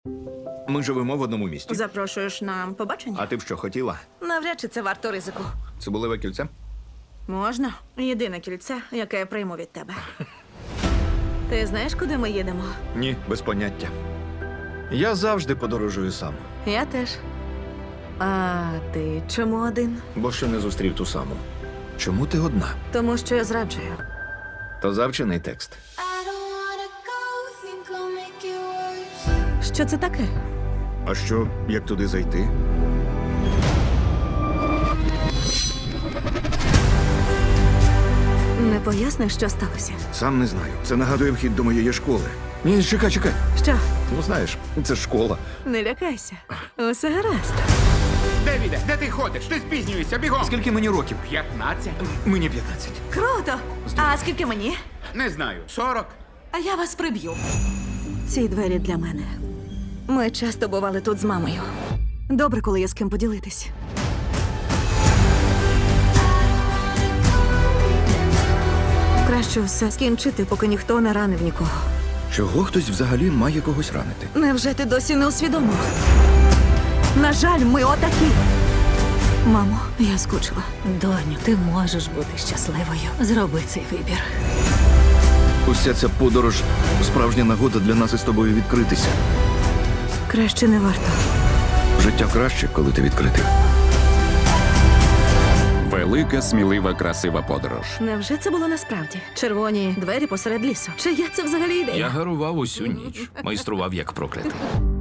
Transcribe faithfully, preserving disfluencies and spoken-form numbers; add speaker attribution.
Speaker 1: Ми живемо в одному місті.
Speaker 2: Запрошуєш на побачення?
Speaker 1: А ти б що хотіла?
Speaker 2: Навряд чи це варто ризику.
Speaker 1: Цибулеве кільце?
Speaker 2: Можна. Єдине кільце, яке я прийму від тебе. Ти знаєш, куди ми їдемо?
Speaker 1: Ні, без поняття. Я завжди подорожую сам,
Speaker 2: Я теж. А ти чому один?
Speaker 1: бо ще не зустрів ту саму. Чому ти одна?
Speaker 2: Тому що я зраджую.
Speaker 1: То завчений текст.
Speaker 3: I don't wanna go, think I'll make it worse.
Speaker 2: Що це таке?
Speaker 1: А що, як туди зайти?
Speaker 2: Не поясниш, що сталося?
Speaker 1: Сам не знаю. Це нагадує вхід до моєї школи. Ні, чекай, чекай.
Speaker 2: Що?
Speaker 1: Ну знаєш, це ж школа.
Speaker 2: Не лякайся. Усе гаразд.
Speaker 4: Девіде, де ти ходиш? Ти спізнюєшся, бігом!
Speaker 1: Скільки мені років?
Speaker 4: П'ятнадцять?
Speaker 1: Мені п'ятнадцять.
Speaker 2: Круто! А скільки мені?
Speaker 4: Не знаю. Сорок?
Speaker 2: А я вас приб'ю. Ці двері для мене. Ми часто бували тут з мамою. Добре, коли є з ким поділитись. Краще все скінчити, поки ніхто не ранив нікого.
Speaker 1: Чого хтось взагалі має когось ранити?
Speaker 2: Невже ти досі не усвідомив? На жаль, ми отакі. Мамо, я скучила.
Speaker 5: Доню, ти можеш бути щасливою. Зроби цей вибір.
Speaker 1: Уся ця подорож справжня нагода для нас із тобою відкритися.
Speaker 2: Краще не варто.
Speaker 1: Життя краще, коли ти відкритий.
Speaker 6: Велика, смілива, красива подорож.
Speaker 2: Невже це було насправді? Червоні двері посеред лісу. Чия це взагалі ідея?
Speaker 7: Я гарував усю ніч, майстрував як проклятий.